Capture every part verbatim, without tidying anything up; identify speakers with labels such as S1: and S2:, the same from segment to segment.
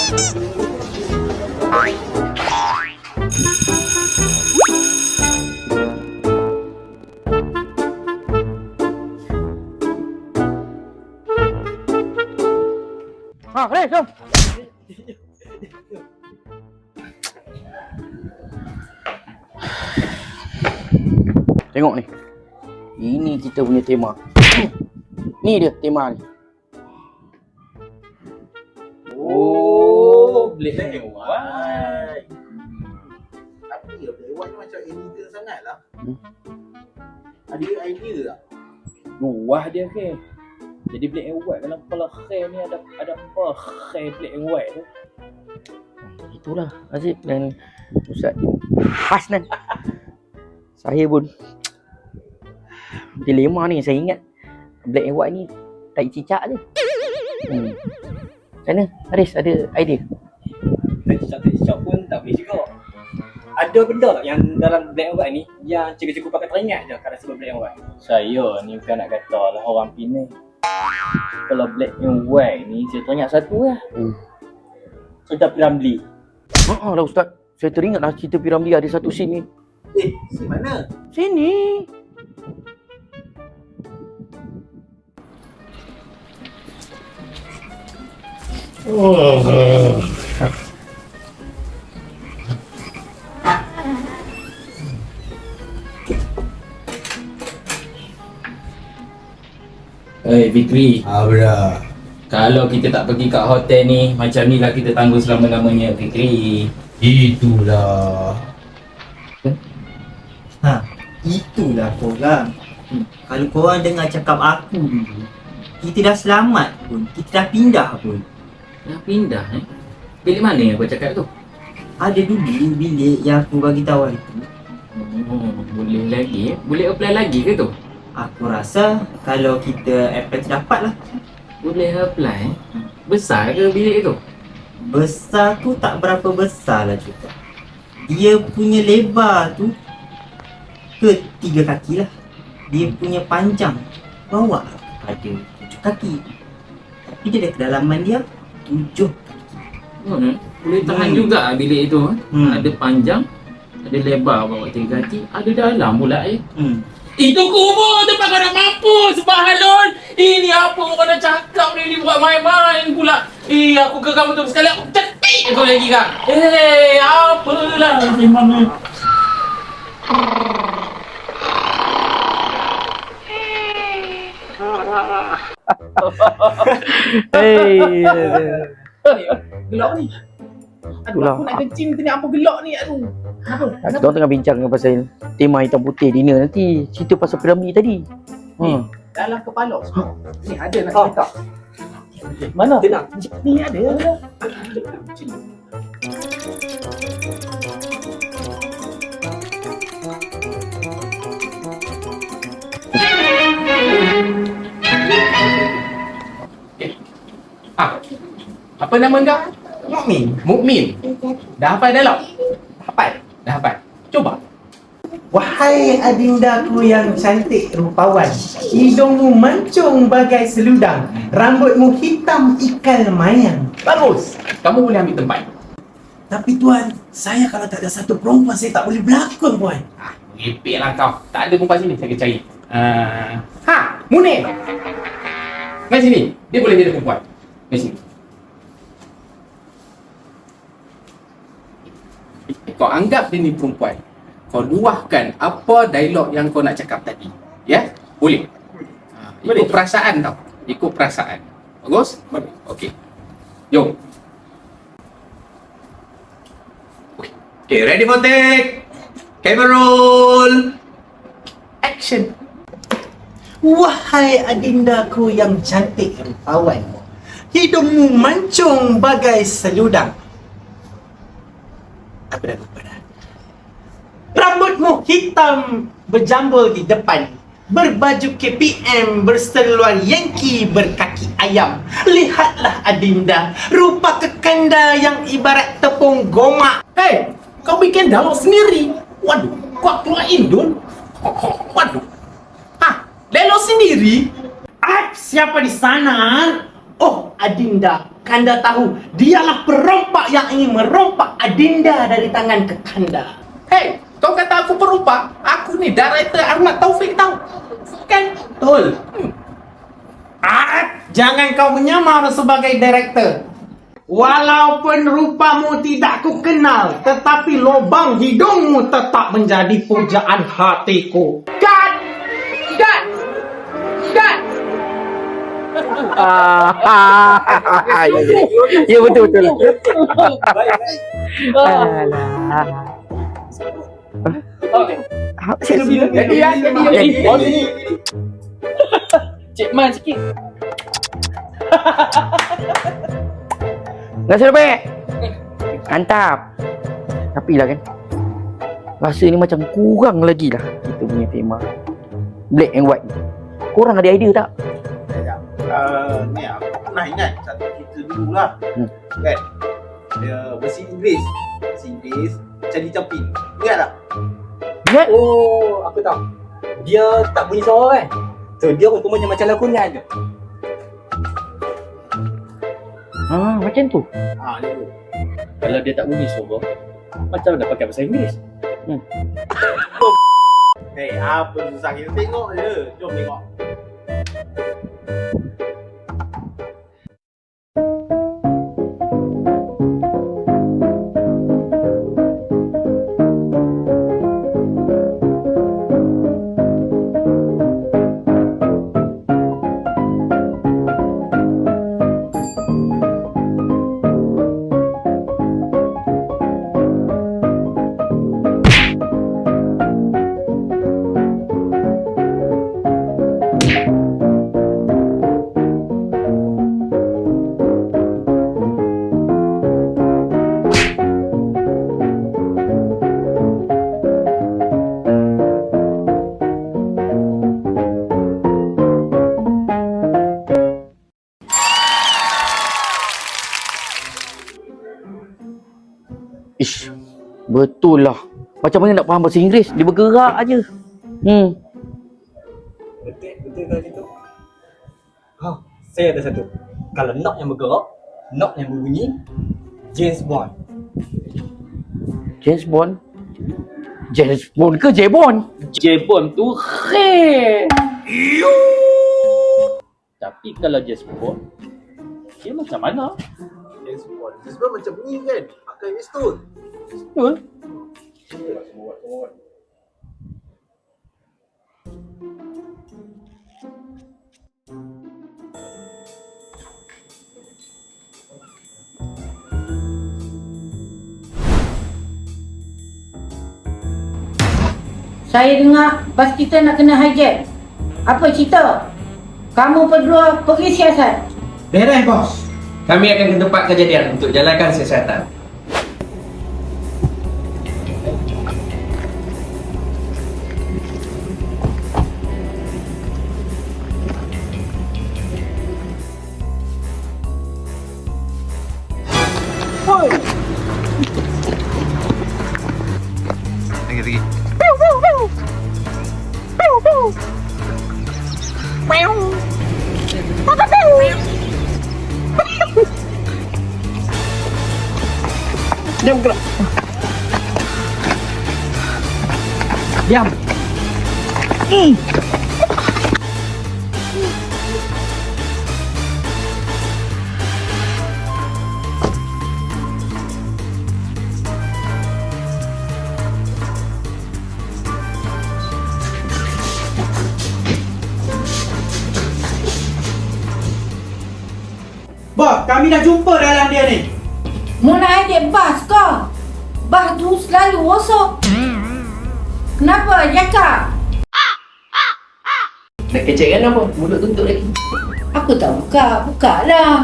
S1: Ha, Haris, jom. Tengok ni. Ini kita punya tema. Ni dia tema ni.
S2: Oh, Black and White. Tapi Black and White ni macam illegal sangat lah. Hmm? Ada idea tak?
S3: Wah dia ke. Jadi Black and White dalam kepala Khair ni ada ada apa Khair Black and White tu?
S1: Itulah Aziz dan Ustaz Hasnan. Saya pun dilema ni, saya ingat Black and White ni tak cicak je. Hmm. Macam mana? Haris ada idea?
S3: Tak cicak-tak cicak pun tak boleh juga. Ada benda tak yang dalam Black and White ni yang cikgu-cikgu pakai teringat je kalau sebab Black and White? Saya ni bukan nak kata lah orang Penang. Kalau Black and White ni saya teringat satu lah. Hmm. Cerita Piramli.
S1: Haa lah Ustaz. Saya teringat lah cerita Piramli ada satu scene ni.
S2: Eh, scene mana?
S1: Sini.
S2: Oh.
S3: Eh, Fikri.
S2: Ah, bra.
S3: Kalau kita tak pergi kat hotel ni, macam ni lah kita tanggung selama-lamanya, Fikri.
S2: Itulah.
S4: Ha, itulah korang. Hmm. Kalau korang dengar cakap aku dulu, kita dah selamat pun, kita dah pindah pun.
S3: Dah pindah eh? Bilik mana yang kau cakap tu?
S4: Ada dulu bilik yang aku bagi tahu itu.
S3: Oh, boleh lagi eh? Boleh apply lagi ke tu?
S4: Aku rasa kalau kita apply tu dapat lah.
S3: Boleh apply eh? Besar ke bilik tu?
S4: Besar tu tak berapa besar lah juga. Dia punya lebar tu ke tiga kaki lah. Dia punya panjang bawah ada tujuh kaki. Tapi dia ada kedalaman dia tujuh kaki.
S3: Hmm. Boleh tahan
S4: Hmm.
S3: juga bilik itu eh?
S4: Hmm.
S3: Ada panjang, ada lebar bawah tiga kaki, ada dalam pula eh.
S4: Hmm.
S3: Itu kubur tempat kau nak mampus, Bahalul. Ini apa kau nak cakap ni, ni buat main-main pula. Eh, aku ke kamu tu sekali aku cetik kau lagi kan. Eh, apalah gimana.
S1: Hei.
S3: Gelak ni. Aduh,
S1: Itulah.
S3: aku nak kencing ni apa gelak ni, aduh. Apa?
S1: Kita orang tengah bincang pasal tema hitam putih dinner nanti. Cerita pasal Piramli tadi.
S3: Ni,
S1: Ha.
S3: dalam kepala semua. Ni ada nak
S4: Oh.
S3: cerita.
S1: Mana?
S3: Tenang. Ni ada. Eh. Ah. Apa nama kau?
S4: Mukmin.
S3: Mukmin. Dah hafal dialog? Hafal. Dah hafal. Cuba.
S5: Wahai adindaku yang cantik rupawan, hidungmu mancung bagai seludang, rambutmu hitam ikan mayang.
S3: Bagus. Kamu boleh ambil tempat.
S5: Tapi tuan, saya kalau tak ada satu perempuan, saya tak boleh berlakon tuan.
S3: Ah, merepek lah kau. Tak ada perempuan sini, saya akan cari. Uh, ha, Munir. Mari sini. Dia boleh jadi perempuan. Mari sini. Kau anggap dia ni perempuan. Kau luahkan apa dialog yang kau nak cakap tadi. Ya? Boleh? Ha, ikut perasaan tau. Ikut perasaan. Bagus? Bagus. Okey. Jom. Okay, ready for take. Camera roll. Action.
S5: Wahai adindaku yang cantik rupawan, hidungmu mancung bagai seludang. Apa dah lupa dah. Rambutmu hitam berjambul di depan, berbaju K P M, berseluar Yankee, berkaki ayam. Lihatlah adinda, rupa kekanda yang ibarat tepung gomak.
S3: Hey, kau bikin dialog sendiri. Waduh, kau keluar Indon. Waduh. Hah, dialog sendiri?
S5: Ah, siapa di sana? Oh, Adinda, Kanda tahu dialah perompak yang ingin merompak Adinda dari tangan Kekanda. Hei, kau kata aku perompak? Aku ni director Ahmad Taufik tahu. Kan? Betul. Hmm. Ah, jangan kau menyamar sebagai director. Walaupun rupamu tidak ku kenal, tetapi lubang hidungmu tetap menjadi pujaan hatiku. Cut! Cut! Cut!
S1: Ah, ya, ya. Ya betul betul. Alah.
S3: Okey.
S1: Ah, saya nak bilang.
S3: Jadi ya, jadi jadi. Oh, sini. Cik Man sikit.
S1: Nasi lebih. Mantap. Tapi lah kan, rasa ni macam kurang lagi lah kita punya tema black and white ni. Korang ada idea tak?
S2: Uh, ni aku pernah ingat satu cerita dulu lah.
S1: Hmm.
S2: Kan? Dia versi Inggeris. Versi Inggeris, Charlie Chaplin. Ingat tak?
S1: Ingat?
S3: Oh, aku tahu. Dia tak bunyi suara kan? So dia rupanya macam lakonan je.
S1: Ah, macam tu.
S2: Ha, dia tu.
S3: Kalau dia tak bunyi suara, macam mana pakai bahasa Inggeris?
S2: Hei, apa susah kita tengok je. Jom tengok.
S1: Ish, betul lah. Macam mana nak faham bahasa Inggeris? Dia bergerak aje. Hmm.
S3: Betul, betul kalau gitu. Ha, saya ada satu. Kalau knock yang bergerak, knock yang berbunyi, James Bond.
S1: James Bond. James Bond ke James Bond?
S3: James Bond tu khair. Tapi kalau James Bond, dia macam mana?
S2: James Bond. James Bond macam ni kan? Pakai pistol.
S1: Betul.
S2: Semua semua semua.
S6: Saya dengar bas kita nak kena hijack. Apa cerita? Kamu berdua pergi siasat.
S5: Beres, bos.
S7: Kami akan ke tempat kejadian untuk jalankan siasatan.
S1: Diam gerak. Diam. Hmm.
S5: Bos, kami dah jumpa dalam dia ni.
S6: Mu nak hijack bas ke? Bas tu selalu rosak. Kenapa, Jaka?
S7: Nak kecek kan apa? Mulut tutup lagi.
S6: Aku tak buka, buka lah.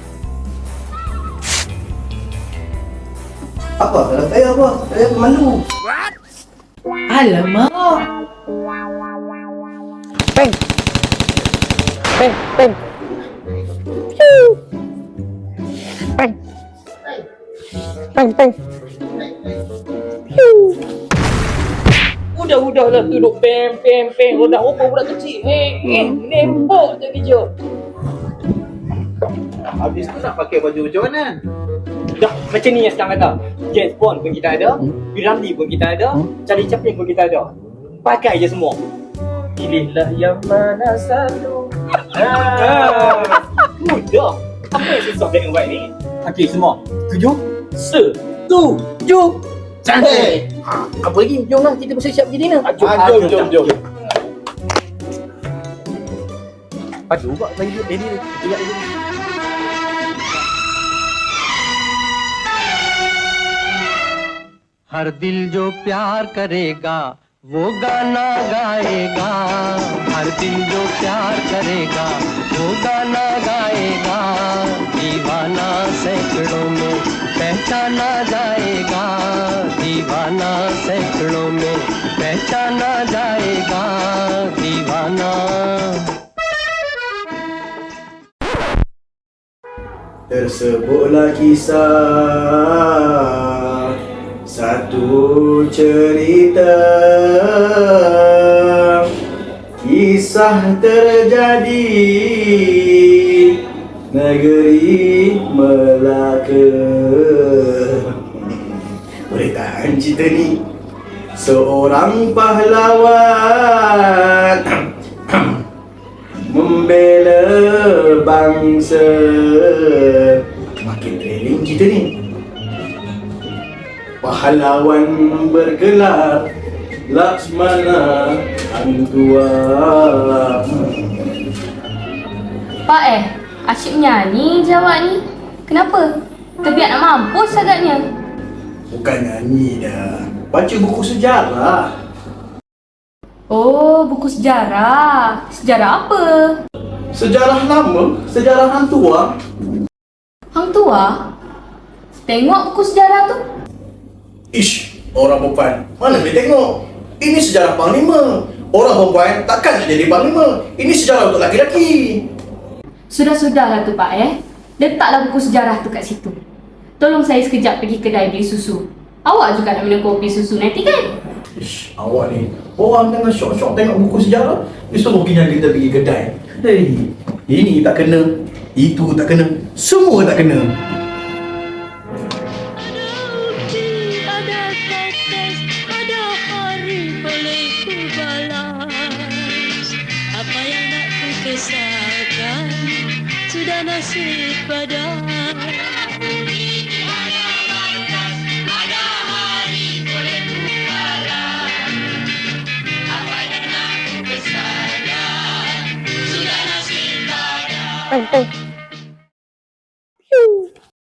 S7: Apa? Kalau saya apa? Saya pemandu.
S6: Alamak.
S1: Peng. Peng, peng. Peng. Peng, peng.
S3: Udah-udah lah duduk pem pem pem roda apa budak kecil. Eh, eh, nembok je kerja.
S2: Habis tu nak pakai baju macam mana?
S3: Dah macam ni yang sekarang kata. James Bond pun kita ada,
S1: Hmm.
S3: Piramli pun kita ada,
S1: Hmm.
S3: Charlie Chaplin pun kita ada. Pakai je semua. Pilihlah yang mana satu. Ah. Mudah. Apa yang susah black and white ni? Okey semua. Setuju? Setuju.
S2: Cantik.
S1: Ha, apa lagi? Jomlah kita bersiap pergi dinner.
S3: Jom,
S2: Ah, jom, jom, jom.
S3: Aduh, buat lagi dia ni. Dia ni.
S8: हर दिल जो प्यार करेगा वो गाना गाएगा हर दिल जो प्यार करेगा वो गाना गाएगा दीवाना सैकड़ों में पहचाना जाएगा दीवाना सैकड़ों में पहचाना जाएगा दीवाना
S2: Tersebutlah kisah satu cerita, kisah terjadi negeri Melaka. Beritaan cerita ni seorang pahlawan membela bangsa. Makin training kita ni. Pahlawan bergelar Laksmana Hang Tua.
S9: Pak eh, asyik menyanyi je awak ni. Kenapa? Terbiak nak mampus agaknya.
S2: Bukan nyanyi dah, baca buku sejarah.
S9: Oh, buku sejarah. Sejarah apa?
S2: Sejarah lama, sejarah Hang Tua.
S9: Hang tua? Tengok buku sejarah tu.
S2: Ish, orang perempuan, mana boleh tengok? Ini sejarah Panglima. Orang perempuan takkan nak jadi Panglima. Ini sejarah untuk lelaki-lelaki.
S9: Sudah-sudahlah tu Pak eh. Letaklah buku sejarah tu kat situ. Tolong saya sekejap pergi kedai beli susu. Awak juga nak minum kopi susu nanti kan?
S2: Ish, awak ni, orang tengah syok-syok tengok buku sejarah, dia suruh kita kita pergi kedai. Hei, ini tak kena, itu tak kena, semua tak kena.
S10: Ada tetes, ada hari boleh ku balas. Apa yang nak ku kesalkan sudah nasib pada.
S1: Eh, eh.